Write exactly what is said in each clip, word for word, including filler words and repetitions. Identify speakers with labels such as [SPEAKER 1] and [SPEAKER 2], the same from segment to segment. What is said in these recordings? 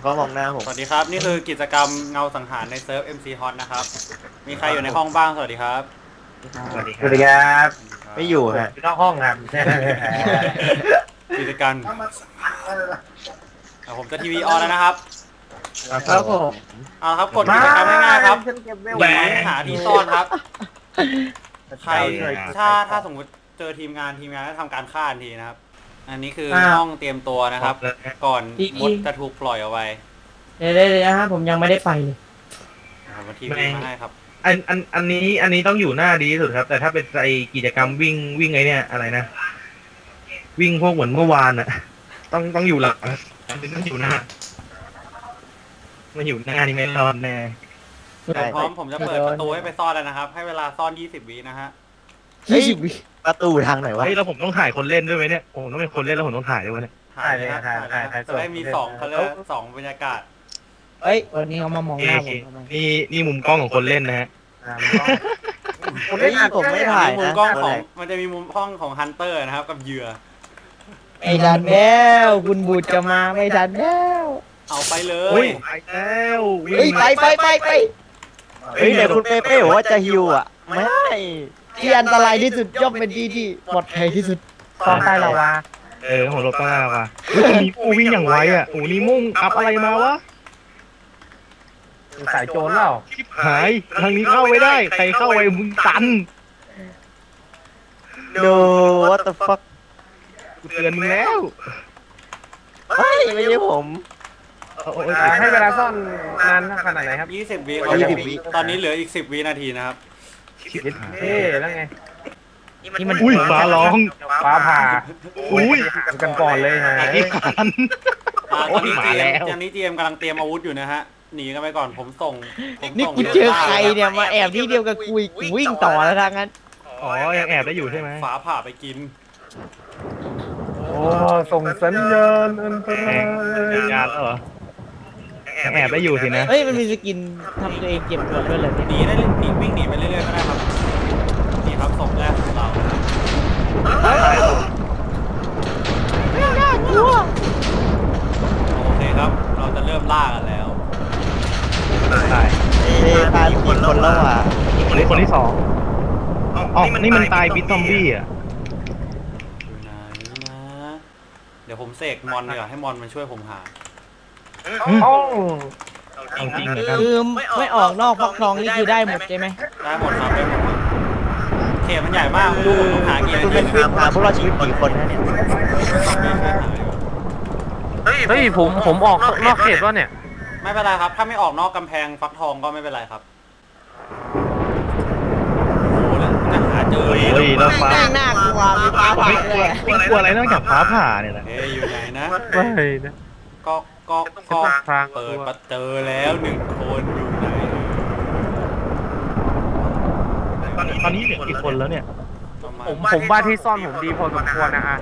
[SPEAKER 1] เขามองหน้าผม
[SPEAKER 2] สวัสดีครับนี่คือกิจกรรมเงาสังหารในเซิร์ฟ เอ็ม ซี Hot นะครับมีใครอยู่ในห้องบ้างสวัสดีครับ
[SPEAKER 3] สวัสดีครับ
[SPEAKER 1] ไม่อยู่ฮะ
[SPEAKER 3] นอกห้องครับ
[SPEAKER 2] กิจกรรมผมจะทีวีออนแล้วนะครับ
[SPEAKER 1] ครับผม
[SPEAKER 2] เอาครับกดกิจกรรมง่ายๆครับแหวกหาที่ซ่อนครับใครถ้าถ้าสมมติเจอทีมงานทีมงานจะทำการฆ่าทันทีนะครับอันนี้คือห้องเตรียมตัวนะครับ ก่อนมดจะถูกปล่อยเอาไว้
[SPEAKER 4] เดี๋ยวเลยนะฮะผมยังไม่ได้ไปเลย
[SPEAKER 2] มาทีวีมาให้ครับ
[SPEAKER 3] อันอันอันนี้อันนี้ต้องอยู่หน้าดีที่สุดครับแต่ถ้าเป็นไอกิจกรรมวิ่งวิ่งไอเนี่ยอะไรนะวิ่งพวกเหมือนเมื่อวานอะต้องต้องอยู่หลังต้องอยู่หน้ามาอยู่หน้านี่ไม่รอดแน่
[SPEAKER 2] พร้อมผมจะเปิดประตูให้ไปซ่อนแล้วนะครับให้เวลาซ่อนยี่สิบวินะฮะ
[SPEAKER 1] ยี่สิบวิประตูทางไหนวะ
[SPEAKER 3] เฮ้ยแล้วผมต้องถ่ายคนเล่นด้วยไหมเนี่ยผมต้องเป็นคนเล่นแล้วผมต้องถ่ายด้วยเนี่ย
[SPEAKER 2] ถ่ายเลยถ่ายถ่ายถ่ายจะได้มีสองเขาเรียกสองบรรยากาศ
[SPEAKER 4] เอ้ยวันนี้เขามามองหน้าผม
[SPEAKER 3] นี่นี่มุมกล้องของคนเล่นนะฮะ
[SPEAKER 1] ผมไม่ผมไม่ถ่าย
[SPEAKER 2] มุมกล้องของมันจะมีมุมกล้องของฮันเตอร์นะครับกับเหยื่อ
[SPEAKER 4] ไม่ทันแล้วคุณบูดจะมาไม่ทันแล้ว
[SPEAKER 2] เอาไปเลย
[SPEAKER 3] ไปแล้ว
[SPEAKER 4] เฮ้ยไปไปไปไป
[SPEAKER 1] เฮ้ยเดี๋ยวคุณเป้เป้บอกว่าจะฮิวอ่ะไม่
[SPEAKER 4] ที่อันตรายที่สุดย่อมเป็นที่ที่ปลอดภัยที่สุดต้องใต้ลาวา
[SPEAKER 3] เออหัวรถใต้ลาวามีปูวิ่งอย่างไวอ่ะโอ้นี่มุ่งอัพอะไรมาวะ
[SPEAKER 4] สายโจรเปล่า
[SPEAKER 3] หายทางนี้เข้าไม่ได้ใครเข้าไปมึงตัน
[SPEAKER 1] No what the fuck
[SPEAKER 3] กูเตือนมึงแล้ว
[SPEAKER 1] เฮ้ยไม่ใช่ผม
[SPEAKER 4] ให้เวลาซ่อนนานขนาดไหนครับ
[SPEAKER 2] ยี่สิบวิตอนนี้เหลืออีกสิบวินาทีนะครับ
[SPEAKER 4] เฮ้แล้วไง
[SPEAKER 3] นี่มันอุ้ยฟ้าร้อง
[SPEAKER 4] ฟ้าผ่า
[SPEAKER 3] อุ้ย
[SPEAKER 4] กันก่อนเลยฮะ
[SPEAKER 3] อีกคัน
[SPEAKER 2] ตอนนี้เตรียมตอนนี้เตรียมกำลังเตรียมอาวุธอยู่นะฮะหนีกันไปก่อนผมส่ง
[SPEAKER 4] นี่กูเจอใครเนี่ยมาแอบที่เดียวกับกูวิ่งต่อแล้วทางนั้น
[SPEAKER 3] อ๋อยังแอบได้อยู่ใช่ไหม
[SPEAKER 2] ฟ้าผ่าไปกิน
[SPEAKER 4] โอ้ส่งสัญญาณอันตราย
[SPEAKER 3] สัญญาณแล้วเหรอแอบได้อยู่สินะ
[SPEAKER 4] เฮ้ยมันมีสกินทำตัวเองเก็บตัวด้วยเลย
[SPEAKER 2] หนีได้หนีวิ่งหนีไปเรื่อยๆก็ได้ครับนี่ครับส่งแรกของเรา
[SPEAKER 4] ไม่น่ากลัว
[SPEAKER 2] โอเคครับเราจะเริ่มล่ากันแล้ว
[SPEAKER 3] ตาย
[SPEAKER 1] เอ้ตายคนคนแล้วอ่ะ
[SPEAKER 3] คนที่คนที่สองอ๋อนี่มันตายบิทซอมบี้อ่ะ
[SPEAKER 2] อยู่ไหนนะเดี๋ยวผมเสกมอนดีกว่าให้มอนมันช่วยผมหา
[SPEAKER 3] จริงๆ
[SPEAKER 4] คือไม่ออกนอกฟักทองนี่คือได้หมดใช่ไหม
[SPEAKER 2] ได้หมดครับได้หมดเขตมันใหญ่มากดูผมหากี่
[SPEAKER 1] คุณเป็นเพื่อนหาพวกเราชีวิตกี่คนนะเนี่ย
[SPEAKER 4] เฮ้ยผมผมออกนอกเขตว่าเนี่ย
[SPEAKER 2] ไม่เป็นไรครับถ้าไม่ออกนอกกำแพงฟักทองก็ไม่เป็นไรครับโอ้โหจะหาเจอ
[SPEAKER 3] เฮ้ยแล้วฟ้า
[SPEAKER 4] น่ากลัวมีฟ้าผ่า
[SPEAKER 3] เลยไม่กลัวอะไรนอกจากฟ้าผ่าเนี่ยนะ
[SPEAKER 2] เฮ้ยอยู่ไหนนะ
[SPEAKER 4] ไม่นะ
[SPEAKER 2] ก็ก็ก็เปิดประตูแล้วหนึ่งคนอยู่ไหน
[SPEAKER 3] ตอนนี้เหลือกี่คนแล้วเนี่ย
[SPEAKER 4] ผมผมว่าที่ซ่อนผมดีพอสมควรนะอ่ะ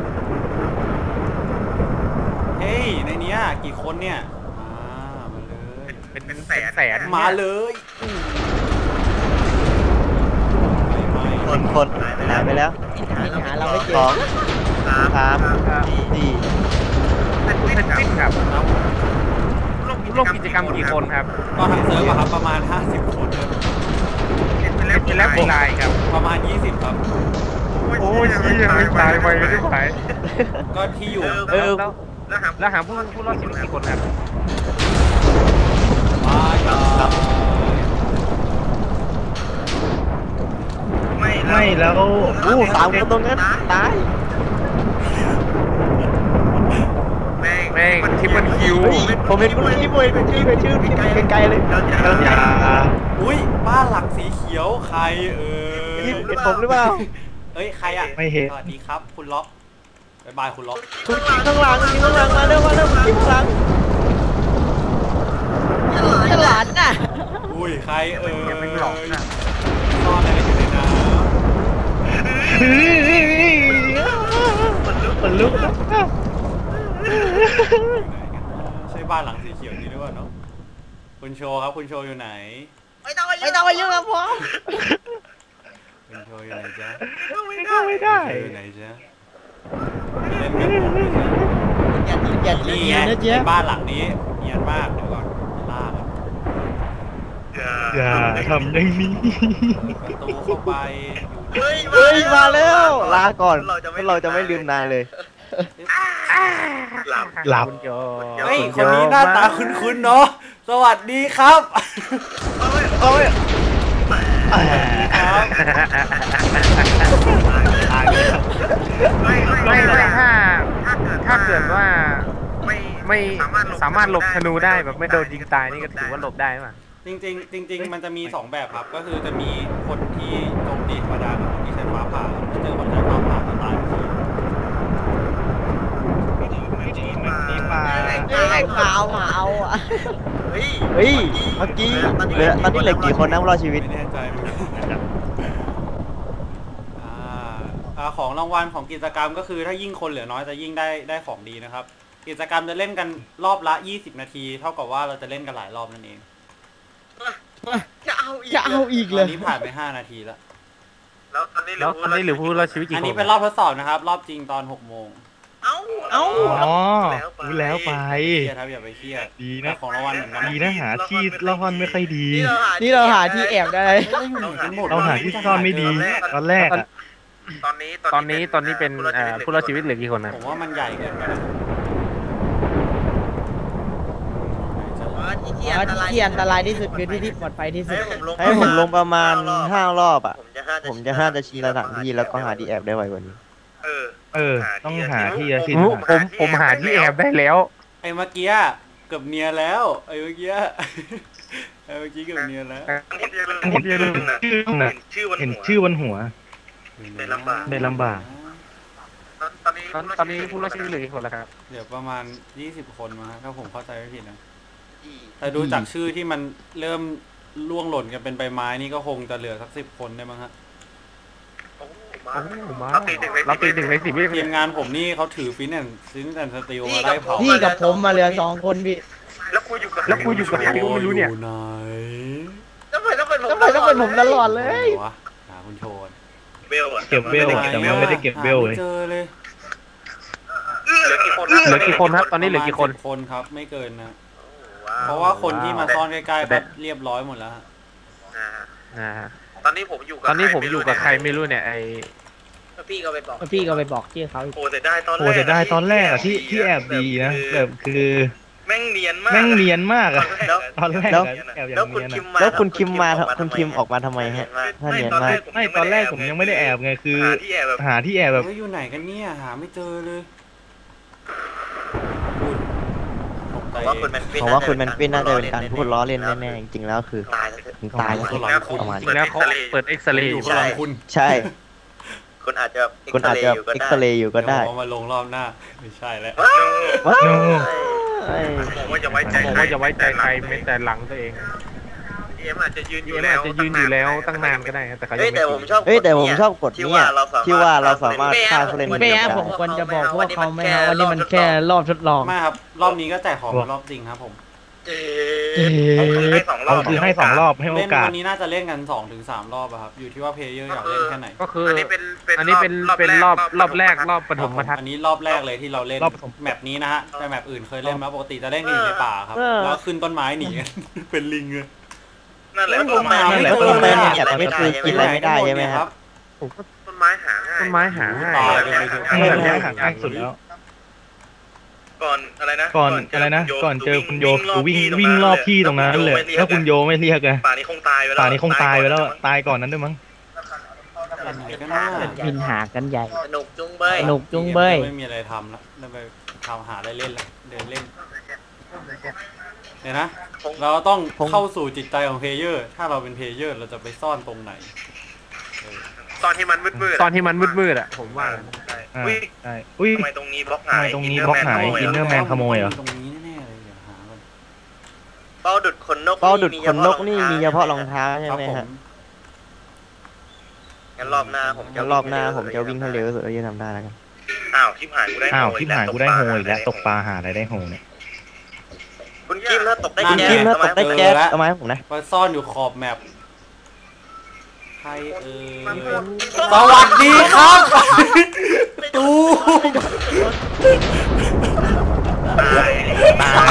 [SPEAKER 2] เฮ้ยในนี้กี่คนเนี่ยมาเลย
[SPEAKER 4] เป็นเป็นแสนแสน
[SPEAKER 2] มาเลย
[SPEAKER 1] คนคนหายไปแล้ว
[SPEAKER 4] หาเราไม่เจอ
[SPEAKER 1] สองสามสี่
[SPEAKER 4] เป็นฟิตครับร่วมกิจกรรมกี่คนครับ
[SPEAKER 2] ก็ทั้งเซิร์ฟครับประมาณห้าสิบคน
[SPEAKER 4] เป็นแล้วเป็นแล้วเป็นลายครับ
[SPEAKER 2] ประมาณยี่สิบครับ
[SPEAKER 4] โอ้ยชี้ยังไม่ตายไปไม่ไหว
[SPEAKER 2] ก็ที่อยู่
[SPEAKER 4] เออแล้วหาผู้ผู้รอดชีวิตกี่คนครับ
[SPEAKER 2] มาครับ
[SPEAKER 3] ไม่ไม่แล้ว
[SPEAKER 1] อู้สามคนตรงนั้นตาย
[SPEAKER 4] แม่งทิปเปิลคิว
[SPEAKER 1] ผมเห็นคุณพี่มวยเป็นชื่อเป็นชื่อพี่ไกลๆเลย
[SPEAKER 3] อย่า
[SPEAKER 2] อุ้ยบ้านหลังสีเขียวใครเออ
[SPEAKER 1] พี่เห็นผมหรือเปล่า
[SPEAKER 2] เอ้ยใครอ่ะ
[SPEAKER 3] ไม่เห็น
[SPEAKER 2] สวัสดีครับคุณล็อกบายบายคุณล็อก
[SPEAKER 1] คุณยิงข้างหลังยิงข้างหลังมาเร็วมาเร็วยิงข้างหลัง
[SPEAKER 4] ฉลาดน่ะ
[SPEAKER 2] อุ้ยใครเออ
[SPEAKER 4] เป็นหลอกน่ะ
[SPEAKER 2] ซ่อนอะไรอยู่ในน้ำ
[SPEAKER 3] มันลุกมันลุก
[SPEAKER 2] ใช่บ้านหลังสีเขียวนี่หรือเปล่าเนาะคุณโชว์ครับคุณโชว์อยู่ไหน
[SPEAKER 4] ไม่ต้องไม่ต้องมายุ่งกับผม
[SPEAKER 2] คุณโชว์อยู่ไหนจ๊ะ
[SPEAKER 3] ไม่เข้าไม่ได้
[SPEAKER 2] อยู่ไหนจ๊ะเล่นกับผม
[SPEAKER 4] อย่าอย่า
[SPEAKER 2] นี่ไงในบ้านหลังนี้เนียนมากเดี๋ยวก่อนล่าก่อน
[SPEAKER 3] อย่าทำอย่างนี้
[SPEAKER 2] ประตูเข้าไป
[SPEAKER 1] เฮ้ยมาแล้วลาก่อนเราจะไม่ลืมนายเลย
[SPEAKER 3] หลับหลับ
[SPEAKER 4] คุณโย
[SPEAKER 2] เฮ้ยคนนี้หน้าตาคุ้นๆเนาะสวัสดีครับ
[SPEAKER 1] เอ้ย
[SPEAKER 2] ครับ
[SPEAKER 4] ไม่ไม่ถ้าถ้าเกิดว่าไม่สามารถหลบธนูได้แบบไม่โดนยิงตายนี่ก็ถือว่าหลบได้ไหม
[SPEAKER 2] จริงๆจริง ๆ มันจะมีสองแบบครับก็คือจะมีคนที่โจมตีธรรมดากับคนที่ใช้ฟ้าผ่าถ้าเจอคนใช้ฟ้าผ่าจะตายทันที
[SPEAKER 3] นี่มา
[SPEAKER 5] ไอ้ขาวหมาเอาอ่ะ
[SPEAKER 1] เฮ้ยเมื่อกี้เหลือตอนนี้เหลือกี่คนนะรอดชีวิต
[SPEAKER 2] ไม่แน่ใจเหมือนกันอ่าอ่าของรางวัลของกิจกรรมก็คือถ้ายิ่งคนเหลือน้อยจะยิ่งได้ได้ของดีนะครับ กิจกรรมจะเล่นกันรอบละยี่สิบนาทีเท่ากับว่าเราจะเล่นกันหลายรอบนั่นเอง
[SPEAKER 5] จะเอาอีกจะเอาอีก
[SPEAKER 2] ต
[SPEAKER 5] เล
[SPEAKER 2] อย นนี้ผ่านไปห้านาทีแล้ว
[SPEAKER 4] แล้วตอนนี้เหลือผู้รอดชีวิตกี่
[SPEAKER 2] อัน
[SPEAKER 4] คน
[SPEAKER 2] นี้เป็นรอบทดสอบนะครับ รอบจริงตอนหกโมง
[SPEAKER 5] เอ้า
[SPEAKER 3] อ๋อรู้แล้วไป
[SPEAKER 2] เครียดครับอย่าไปเครียด
[SPEAKER 3] ดี
[SPEAKER 2] แต่
[SPEAKER 3] นะ
[SPEAKER 2] ของรางวัลเหมือนกัน
[SPEAKER 3] ดีนะหาที่ละครไม่ค่อยดี
[SPEAKER 5] นี่เราหาที่แอบได้
[SPEAKER 3] เราหาที่ซ่อนไม่ดีตอนแรกอะ
[SPEAKER 4] ตอนนี้ตอนนี้ตอนนี้เป็นเอ่อผู้รอดชีวิตเหลือกี่คนนะ
[SPEAKER 2] ผมว่ามันใหญ่เกินไปนะ
[SPEAKER 5] ที่ที่อันตรายที่สุดคือที่ที่ปลอดภัยที่สุด
[SPEAKER 1] ให้ผมลงประมาณห้ารอบอ่ะผมจะห้าจะชินสถานที่แล้วก็หาที่แอบได้ไวกว่านี้
[SPEAKER 3] เออ ต้องหาที่จะชิน
[SPEAKER 4] ผมผมผมหาที่แอบได้แล้ว
[SPEAKER 2] ไอ้เมื่อกี้เกือบเนียนแล้วไอ้เมื่อกี้ไอ้เมื่อกี้เกือบเนียนแล้ว
[SPEAKER 3] เห็นชื่อนะเห็นชื่อบนหัว
[SPEAKER 2] ได้ลำบาก
[SPEAKER 3] ได้ลำบาก
[SPEAKER 4] ตอนนี้ตอนนี้ผู้รอดชีวิตเหลือกี่คนแล้วครับ
[SPEAKER 2] เดี๋ยวประมาณยี่สิบคนมาถ้าผมเข้าใจไม่ผิดนะแต่ดูจากชื่อที่มันเริ่มล่วงหล่นกันเป็นใบไม้นี่ก็คงจะเหลือสักสิบคนได้มั้งฮะ
[SPEAKER 4] เราตีหนึ่งเราตีหนึ่งในสิบ
[SPEAKER 2] ทีมงานผมนี่เขาถือฟินแอนฟินแอนสติลมาไล่เผา
[SPEAKER 5] พี่กับผมมาเหลือสองคนพี่
[SPEAKER 4] แล้วกูอยู่กับแล้วกูอยู่กับใครก็ไม่รู้เนี่ย
[SPEAKER 2] อยู่ไหน
[SPEAKER 5] ทำไมต้องเป็นผมทำไมต้องเป็นผมตลอดเลย
[SPEAKER 2] วะหาคุณโชน
[SPEAKER 3] เก็บเวลแต่มันไม่ได้เก็บเวลเลย
[SPEAKER 2] หาไม่เจอเลย
[SPEAKER 4] เหลือกี่คนเหลือกี่คนครับตอนนี้เหลือกี่คน
[SPEAKER 2] ประมาณสิบคนครับไม่เกินนะเพราะว่าคนที่มาซ่อนใกล้ๆก็เรียบร้อยหมดแล้วฮะ
[SPEAKER 4] อ่า
[SPEAKER 6] ตอนนี้ผมอยู่กับ
[SPEAKER 4] ตอนนี้ผมอยู่กับใครไม่รู้เนี่ยไอ
[SPEAKER 6] พี่ก็ไปบอก
[SPEAKER 5] พี่ก็ไปบอกชื่อเขาอีก
[SPEAKER 6] โอ้แต่ได้ตอนแรก
[SPEAKER 3] โอ้แต่ได้ตอนแรกอะที่ที่แอบดีนะแบบคือ
[SPEAKER 6] แม่งเนียนมาก
[SPEAKER 3] แม่งเนียนมากอะ
[SPEAKER 6] แล้ว
[SPEAKER 3] ตอนแรก
[SPEAKER 1] แล้ว
[SPEAKER 3] อะแอบอย่า
[SPEAKER 6] แล้ว
[SPEAKER 3] ง
[SPEAKER 6] คุณ
[SPEAKER 3] เนียน
[SPEAKER 6] คิม
[SPEAKER 3] อะ
[SPEAKER 6] มา
[SPEAKER 1] แล้วคุณคิมมาคุณคิมออกมาทำไมฮะถ้าเนียนมาก
[SPEAKER 3] ไม่ตอนแรกผมยังไม่ได้แอบไงคือ
[SPEAKER 6] หาที่แอบแบบ
[SPEAKER 3] หาที่แอบแบบ
[SPEAKER 2] เฮ้ยอยู่ไหนกันเนี่ยหาไม่เจอเลยตกใจ
[SPEAKER 6] ว่าคุณแมนฟิน
[SPEAKER 1] ผมว่าคุณแมนฟินน่าจะเป็นการพูดล้อเล่นแน่ๆจริงๆแล้วคือ
[SPEAKER 6] ตายแล้ว
[SPEAKER 1] ถึงตายแล้วประมาณ
[SPEAKER 4] จริงแล้วเขาเปิดเอ็กซเรย์
[SPEAKER 2] อ
[SPEAKER 4] อยู่ ยู่
[SPEAKER 2] ข้างหลังคุณ
[SPEAKER 1] ใช่
[SPEAKER 6] คุณอาจจะ
[SPEAKER 1] คุณอาจจะเอ็กซเรย์อยู่ก็ได้
[SPEAKER 2] เดี๋ยวผมเอามาลงรอบหน้าไม่ใช่แล้ว
[SPEAKER 1] ว้าว
[SPEAKER 3] โน
[SPEAKER 6] ผมว่าจะไว้ใจ
[SPEAKER 4] ผมว่าจะไว้ใจใครไม่แต่หลังตัวเอง
[SPEAKER 6] เอ็มอาจจะยืนอ
[SPEAKER 4] เอ็
[SPEAKER 6] ยู่
[SPEAKER 4] ม
[SPEAKER 6] แล้
[SPEAKER 4] อาจ
[SPEAKER 6] ว
[SPEAKER 4] จะยืนอยู่แล้วตั้งนานก็ได้แต่เขายั
[SPEAKER 6] เฮ้ย
[SPEAKER 4] งไม่
[SPEAKER 6] แต่ผมชอบ
[SPEAKER 1] เฮ้ยแต่ผมชอบกดเนี่ยที่ว่าเราสามารถฆ่าผู้เล่น
[SPEAKER 5] ไม่ฮะผมควรจะบอกพวกเขาไหมฮะว่านี่มันแค่รอบทดลอง
[SPEAKER 2] ไม่ครับรอบนี้ก็แจกของเป็นรอบจริงครับผม
[SPEAKER 6] เอ๊ะให้สองรอ
[SPEAKER 3] เอา
[SPEAKER 6] บ
[SPEAKER 3] คือให้สองรอบให้โอ
[SPEAKER 2] เล่น
[SPEAKER 3] กาส
[SPEAKER 2] วันนี้น่าจะเล่นกันสองถึงสามรอบอะครับอยู่ที่ว่าเพลเยอร์อยากเล่นแค่ไหน
[SPEAKER 4] ก็คือ
[SPEAKER 6] อั
[SPEAKER 4] อั
[SPEAKER 6] นนี้เป็นเป็น
[SPEAKER 4] นนี้เป็นเป็นรอบรอบแรกรอบปฐมทัศ
[SPEAKER 2] อั
[SPEAKER 4] น์
[SPEAKER 2] นนี้รอบแรกเลยที่เราเล่น
[SPEAKER 3] รอบปฐม
[SPEAKER 2] แมปนี้นะฮะแต่แมปอื่นเคยเล่นมาปกติจะเล่นกันอยู่ในป่าครับแล้วขึ้นต้นไม้หนีกันเป็นลิงเลย
[SPEAKER 6] นั่นแหละ
[SPEAKER 2] ผมหาไม่
[SPEAKER 1] นั่นแหละ
[SPEAKER 2] เจอ
[SPEAKER 1] ต้น
[SPEAKER 2] เล
[SPEAKER 1] ไม้
[SPEAKER 2] ย
[SPEAKER 1] เนี่ยไม่คือกินอะไรไม่ได้ใช่ไหมครับ
[SPEAKER 6] ต้นไม้หาง่าย
[SPEAKER 4] ต้นไม้หาง่าย
[SPEAKER 2] ตายกันไปเถอะ
[SPEAKER 3] ไม่ได้หาง่ายสุดแล้ว
[SPEAKER 6] ก่อนอะไรนะ
[SPEAKER 3] ก่อนอะไรนะก่อนเจอคุณโยคือวิ่งวิ่งรอบที่ตรงนั้นเลยถ้าคุณโยไม่เรียกอะ
[SPEAKER 6] ป่านี้คงตายไปแล้ว
[SPEAKER 3] ป่านี้คงตายไปแล้วตายก่อนนั้นด้วยมั้ง
[SPEAKER 2] อันไหนก็น่า
[SPEAKER 5] บินหากันใหญ่
[SPEAKER 6] สนุกจุงเบย
[SPEAKER 5] สนุกจุงเบย
[SPEAKER 2] ไม่มีอะไรทำแล้วแล้วไปทำหาอะไรเล่นละเดินเล่นเดี๋ยวนะเราต้องเข้าสู่จิตใจของเพลเยอร์ถ้าเราเป็นเพลเยอร์เราจะไปซ่อนตรงไหน
[SPEAKER 6] ตอนที่มันมืดๆ
[SPEAKER 4] ตอนที่มันมืดๆอ่ะผมว่า
[SPEAKER 3] อ่า
[SPEAKER 6] อุ้ย
[SPEAKER 3] ใช่อุ้ย
[SPEAKER 6] ทำไมตรงนี้บล็อก
[SPEAKER 3] ทำ
[SPEAKER 6] หาย
[SPEAKER 3] ไมตรงนี้บล็อกหายอินเนอร์แมนขโมยเหรอ
[SPEAKER 2] ตรงนี้แน่ๆเลยเดี๋ยวหาก่อน
[SPEAKER 6] เป้าดุดขนนก
[SPEAKER 1] เป้าดุดขนนกนี่มีเฉพาะรองเท้าใช่
[SPEAKER 2] ครับ
[SPEAKER 1] ไหม
[SPEAKER 2] ผม
[SPEAKER 1] ฮะ
[SPEAKER 6] งั้นรอบหน้าผม
[SPEAKER 1] งั้นรอบหน้าผมจะวิ่งให้เร็วที่สุดที่จะทำได้แล้วกัน
[SPEAKER 6] อ้าวชิบหายกูได้
[SPEAKER 3] อ้าวที่หายกูได้โฮอีกแล้วตกปลาหาอะไรได้โฮเนี่ย
[SPEAKER 6] คุณคิมถ้าตกได้
[SPEAKER 1] คุณ
[SPEAKER 6] แก๊
[SPEAKER 1] คิม
[SPEAKER 6] ส
[SPEAKER 1] ถ้าตกได้แก๊สเอามาให้ผมนะ
[SPEAKER 2] ไปซ่อนอยู่ขอบแมปใครเอ่ยสวัสดีครับตู
[SPEAKER 6] อ
[SPEAKER 3] ตาย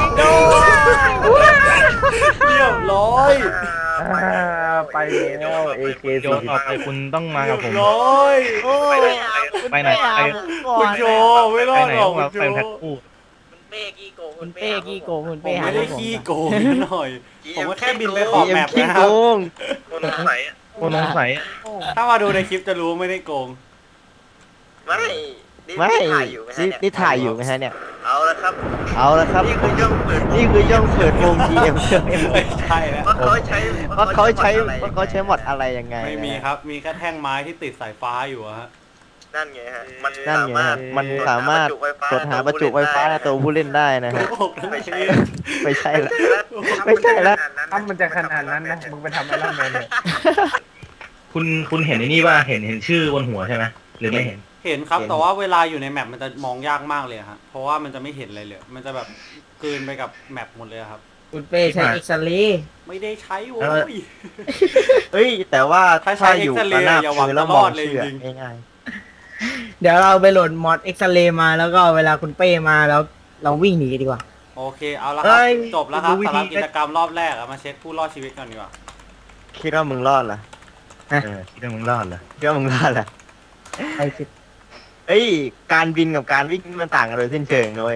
[SPEAKER 2] เรียบร้อย
[SPEAKER 4] ไปแล้วเอเค
[SPEAKER 3] โยต่อไปคุณต้องมากับผม
[SPEAKER 2] ร้อย
[SPEAKER 1] โอ้ย
[SPEAKER 3] ไปไหนไป
[SPEAKER 2] คุณโจไม่ร
[SPEAKER 3] ไป
[SPEAKER 2] อด
[SPEAKER 3] ไหน
[SPEAKER 2] หรอก
[SPEAKER 3] ต้อง
[SPEAKER 2] คุ
[SPEAKER 3] มา
[SPEAKER 2] ณโจ
[SPEAKER 3] ไปแพ็คคู่
[SPEAKER 6] คุณเป้กี้โกง
[SPEAKER 5] คุณเป้กี้โกงคุณ
[SPEAKER 2] ผ
[SPEAKER 5] เป้
[SPEAKER 2] ม
[SPEAKER 5] หา
[SPEAKER 2] ไม่ได้
[SPEAKER 5] ผม
[SPEAKER 2] ขี้โกงนิดหน่อย ผมก็แค่บินไปข
[SPEAKER 1] พี
[SPEAKER 2] อบ
[SPEAKER 1] เอ็
[SPEAKER 2] แม
[SPEAKER 1] ม
[SPEAKER 2] ป
[SPEAKER 1] ขี้
[SPEAKER 2] นะค
[SPEAKER 1] โก
[SPEAKER 2] รับ
[SPEAKER 1] ง
[SPEAKER 6] คนสงสัยอ่ะ
[SPEAKER 3] คนสงสัย
[SPEAKER 2] ถ้ามาดูในคลิปจะรู้ไม่ได้โกง
[SPEAKER 6] ไม่นี่
[SPEAKER 1] ไม่
[SPEAKER 6] ถ่ายอยู่ไหมฮะ
[SPEAKER 1] นี่
[SPEAKER 6] เนี่ย
[SPEAKER 1] นี่ถ่ายอยู่ไหมฮะเนี่ย
[SPEAKER 6] เอาละครับ
[SPEAKER 1] เอาละครับ
[SPEAKER 6] นี่คือย่องเปิด
[SPEAKER 1] นี่คือย่องเปิดวง จี เอ็ม
[SPEAKER 2] ไม่ใช่แล้ว
[SPEAKER 6] ว่าเขาใช้
[SPEAKER 1] ว่าเขาใช้
[SPEAKER 6] อะไร
[SPEAKER 1] ว่าเขาใช้หมดอะไรยังไง
[SPEAKER 2] ไม่มีครับ มีแค่แท่งไม้ที่ติดสายฟ้าอยู่อะฮะ
[SPEAKER 6] นั่นไงฮะ มัน
[SPEAKER 1] นั่น
[SPEAKER 6] สา
[SPEAKER 1] ไง
[SPEAKER 6] มารถ
[SPEAKER 1] ฮะมันสามารถตรวจหาประจุไฟฟ้าในตัวผู้เล่นได้นะฮะ
[SPEAKER 2] โกหกทั้ง
[SPEAKER 6] ไม่
[SPEAKER 2] ที
[SPEAKER 6] ใช่
[SPEAKER 1] ไม่ใช่ละ
[SPEAKER 6] ไม่ใช่แล้ว
[SPEAKER 4] ถ้ามันจะขนาดนั้นนะมึงไปทำไอรอนแมนเลย
[SPEAKER 3] คุณคุณเห็นไอ้นี่ว่าเห็นเห็นชื่อบนหัวใช่ไหมหรือไม่เห็น
[SPEAKER 2] เห็นครับแต่ว่าเวลาอยู่ในแมปมันจะมองยากมากเลยฮะเพราะว่ามันจะไม่เห็นอะไรเลย มันจะแบบกลืนไปกับแมปหมดเลยครับ
[SPEAKER 5] คุณเป้ใช้เอ็กซเรย์
[SPEAKER 2] ไม่ได้ใช้โว้
[SPEAKER 3] เออ
[SPEAKER 2] ย
[SPEAKER 1] เฮ้ยแต่ว่า
[SPEAKER 2] ถ้าใช้
[SPEAKER 1] อยู่
[SPEAKER 2] X-ray
[SPEAKER 1] กับหน้า
[SPEAKER 2] อย่าหวัง
[SPEAKER 1] มือแล้ว
[SPEAKER 2] จะ
[SPEAKER 1] ม
[SPEAKER 2] ร
[SPEAKER 1] อ
[SPEAKER 2] อง ดเลย
[SPEAKER 1] เชื่อ
[SPEAKER 2] จริง
[SPEAKER 1] ง่าย
[SPEAKER 5] เดี๋ยวเราไปโหลดมอดเอ็กซเรย์มาแล้วก็เวลาคุณเป้มาแล้วเราวิ่งหนีดีกว่า
[SPEAKER 2] โอเคเอาละค
[SPEAKER 3] เอ้
[SPEAKER 2] รับ
[SPEAKER 3] ย
[SPEAKER 2] จบแล้วครับ
[SPEAKER 3] ดูวิ
[SPEAKER 2] สำห
[SPEAKER 3] ธี
[SPEAKER 2] รับกิจกรรมรอบแรกอะมาเช็คผู้รอดชีวิตก่อนดีกว่า
[SPEAKER 1] ๆคิดว่ามึงรอดเหรอ
[SPEAKER 3] เออคิดว่ามึงรอดเหรอ
[SPEAKER 1] คิดว่ามึงรอดเหรอ
[SPEAKER 5] ไอ้สิ
[SPEAKER 1] เอ้ยการบินกับการวิ่งมันต่างกันโดยสิ้นเชิงเลย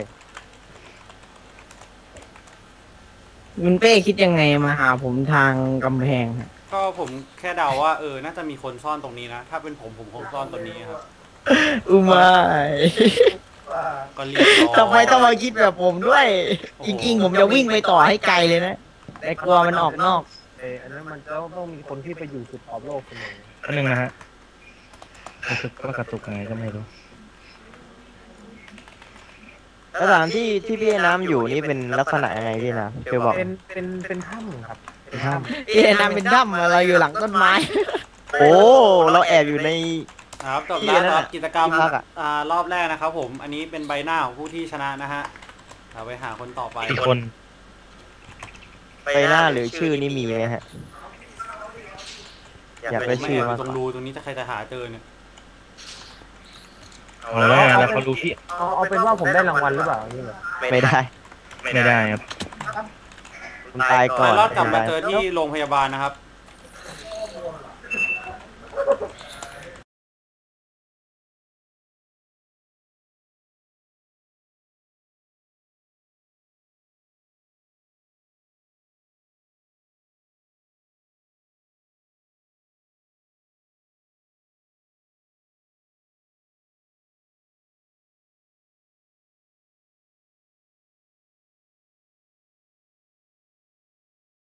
[SPEAKER 5] คุณเป้คิดยังไงมาหาผมทางกำแพงฮะ
[SPEAKER 2] ก็ผมแค่เดาว่าเออน่าจะมีคนซ่อนตรงนี้นะ ถ้าเป็นผมผมคงซ่อนตรงนี้ครับ
[SPEAKER 5] อุมาย
[SPEAKER 2] ก็เรียบร้อย
[SPEAKER 5] ทำไมต้องมาคิดแบบผมด้วย จริงๆ ผมจะวิ่งไปต่อให้ไกลเลยนะ แต่กลัวมันออกนอก
[SPEAKER 4] เอออันนั้นมันจะต้องมีคนที่ไปอยู่สุดขอบโลกคนหนึ่ง
[SPEAKER 3] อันหนึ่งนะฮะรู้สึกว่ากระตุกยังไงก็ไม่รู้
[SPEAKER 1] สถานที่ที่พี่น้ำอยู่นี่เป็นลักษณะยังไงพี่น้ำเธอบอก
[SPEAKER 4] เป็นเป็นเป็นถ้ำครับเป็นถ้
[SPEAKER 5] เอ๊ะน้ำเป็นถ้ำเราอยู่หลังต้นไม้
[SPEAKER 1] โอ้เราแอบอยู่ใน
[SPEAKER 2] ครับจบ
[SPEAKER 1] ที่
[SPEAKER 2] แล้ว
[SPEAKER 1] นั่น
[SPEAKER 2] ค
[SPEAKER 1] น่ะ
[SPEAKER 2] รับกิจกรรม
[SPEAKER 1] ที่พักอะ
[SPEAKER 2] อ่ารอบแรกนะครับผมอันนี้เป็นใบหน้าของผู้ที่ชนะนะฮะเราไปหาคนต่อไป
[SPEAKER 3] อีกคน
[SPEAKER 1] ไปหน้าหรือชื่อนี่มีไหมฮะ อยากได้
[SPEAKER 2] ไม่
[SPEAKER 1] ชื่อ
[SPEAKER 2] แอบอ
[SPEAKER 1] มาก
[SPEAKER 2] ยู่ตรงรูตรงนี้จะใครจะหาเจอเนี่ย
[SPEAKER 3] เอาแล้วไงแล้วเขาดูที่
[SPEAKER 4] ำเอาเอาเป็นว่าผมได้รางวัลหรือเปล่านี่เหรอ
[SPEAKER 1] ไม่ได้
[SPEAKER 3] ไม่ได้ครับ
[SPEAKER 1] คุณตายก่อน
[SPEAKER 2] รอดกลับมาเจอที่โรงพยาบาลนะครับ